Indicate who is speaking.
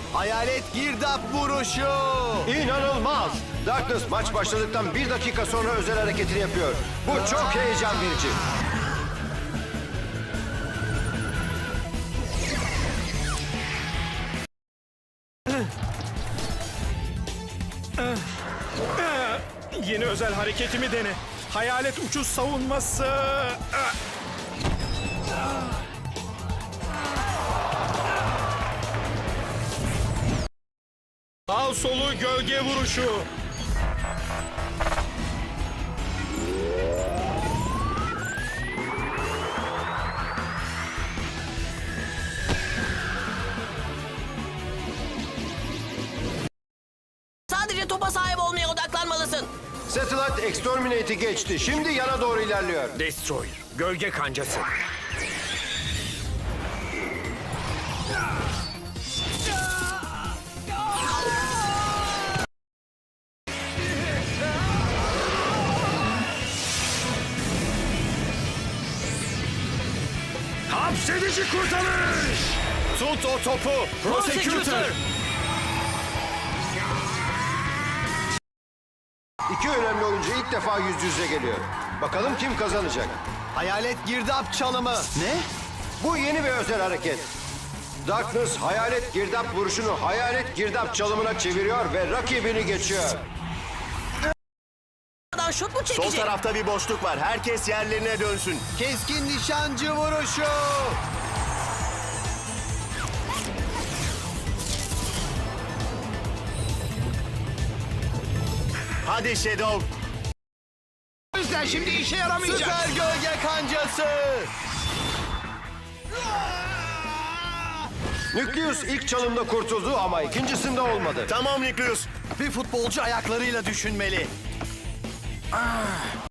Speaker 1: Hayalet girdap vuruşu.
Speaker 2: İnanılmaz! Darkness maç başladıktan 1 dakika sonra özel hareketini yapıyor. Bu çok heyecan verici.
Speaker 3: Yeni özel hareketimi dene. Hayalet uçuş savunması. Sağ solu gölge vuruşu.
Speaker 4: Sadece topa sahip olmaya odaklanmalısın.
Speaker 2: Satellite Exterminate'i geçti. Şimdi yana doğru ilerliyor.
Speaker 3: Destroyer. Gölge kancası. Hapsedici kurtarış. Tut o topu. Prosecutor.
Speaker 2: İki önemli oyuncu ilk defa yüz yüze geliyor. Bakalım kim kazanacak?
Speaker 1: Hayalet girdap çalımı. Ne?
Speaker 2: Bu yeni bir özel hareket. Darkness hayalet girdap vuruşunu hayalet girdap çalımına çeviriyor ve rakibini geçiyor.
Speaker 4: Adam şut mu
Speaker 1: Sol
Speaker 4: çekecek?
Speaker 1: tarafta bir boşluk var. Herkes yerlerine dönsün. Keskin nişancı vuruşu. Hadi Shadow.
Speaker 3: O yüzden şimdi işe yaramayacak.
Speaker 1: Süper gölge kancası.
Speaker 2: Nükleus ilk çalımda kurtuldu ama ikincisinde olmadı.
Speaker 1: Tamam Niklius. Bir futbolcu ayaklarıyla düşünmeli.